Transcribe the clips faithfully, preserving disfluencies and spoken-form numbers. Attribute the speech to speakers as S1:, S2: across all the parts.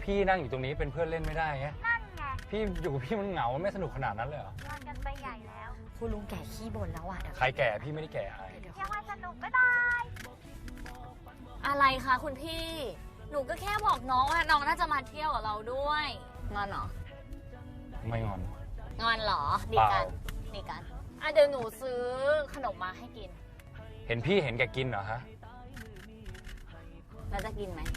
S1: พี่นั่งอยู่ตรงนี้เป็นเพื่อนเล่นไม่ได้ไง
S2: นั่นไง
S1: พี่อยู่กับพี่มันเหงาไม่สนุกขนาดนั้นเลยเหรอ
S2: งอนกันไปใหญ่แล้ว
S3: คุณลุงแก่ขี้บ่นแล้วอ่ะเดี๋ยว
S1: ใครแก่พี่ไม่ได้แก่อะไร
S3: เดี๋ยว
S2: ยังว่าสนุกก็ได้
S3: อะไรคะคุณพี่ หนูก็แค่บอกน้องว่าน้องน่าจะมาเที่ยวกับเราด้วยงอนเหรอ
S1: ไม่งอน
S3: งอนเหรอดีกัน
S1: เปล่า
S3: ดีกันอ่ะเดี๋ยวหนูซื้อขนมมาให้กิน
S1: เห็นพี่เห็นแกกินเหรอฮะ
S3: แล้วจะกินไหม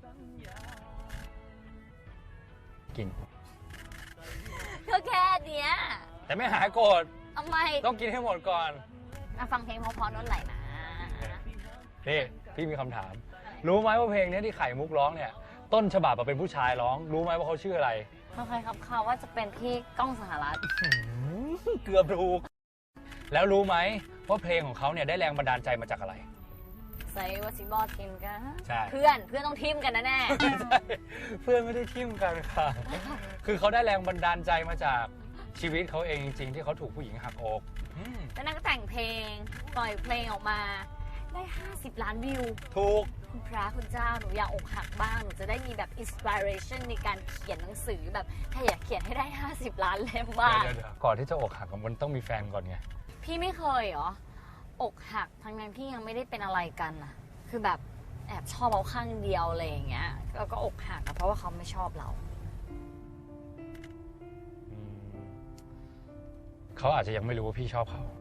S1: กิน
S3: ก็แค่เนี้ย
S1: แต่ไม่หายโกรธ
S3: ทำไม
S1: ต้องกินให้หมดก่อน
S3: มาฟังเพลงเพราะๆนั่นไหลนะ
S1: นี่พี่มีคำถาม รู้ไหมว่าเพลงนี้ที่ไข่มุกร้องเนี่ย ต้นฉบับเป็นผู้ชายร้อง รู้ไหมว่าเขาชื่ออะไร
S3: เขาเคยครับเขาว่าจะเป็นพี่ก้องสหรัฐ
S1: เกือบถูก แล้วรู้ไหมว่าเพลงของเขาเนี่ยได้แรงบันดาลใจมาจากอะไร
S3: ใส่ว่าซิบอทีมกัน
S1: ใช่
S3: เพื่อนเพื่อนต้องทีมกันนะแน่
S1: ไม่ใช่เพื่อนไม่ได้ทิ่มกันค่ะ คือเขาได้แรงบันดาลใจมาจากชีวิตเขาเองจริงๆที่เขาถูกผู้หญิงหักอกอืม
S3: แล้วนั่นก็แต่งเพลง ปล่อยเพลงออกมา ได้ห้าสิบล้านวิว
S1: ถูก
S3: คุณพระคุณเจ้าหนูอยากอกหักบ้าง หนูจะได้มีแบบอินสปิเรชันในการเขียนหนังสือแบบถ้าอยากเขียนให้ได้ห้าสิบล้านเล่มบ้าง
S1: เดี๋ยวๆก่อนที่จะอกหักมันต้องมีแฟนก่อนไง
S3: พี่ไม่เคยเหรอ อกหักทั้งนั้นที่ยังไม่ได้เป็นอะไรกันอะคือแบบแอบชอบเขาข้างเดียวอะไรอย่างเงี้ยแล้วก็อกหักอะเพราะว่าเขาไม่ชอบเรา
S1: อืมเขาอาจจะยังไม่รู้ว่าพี่ชอบเขา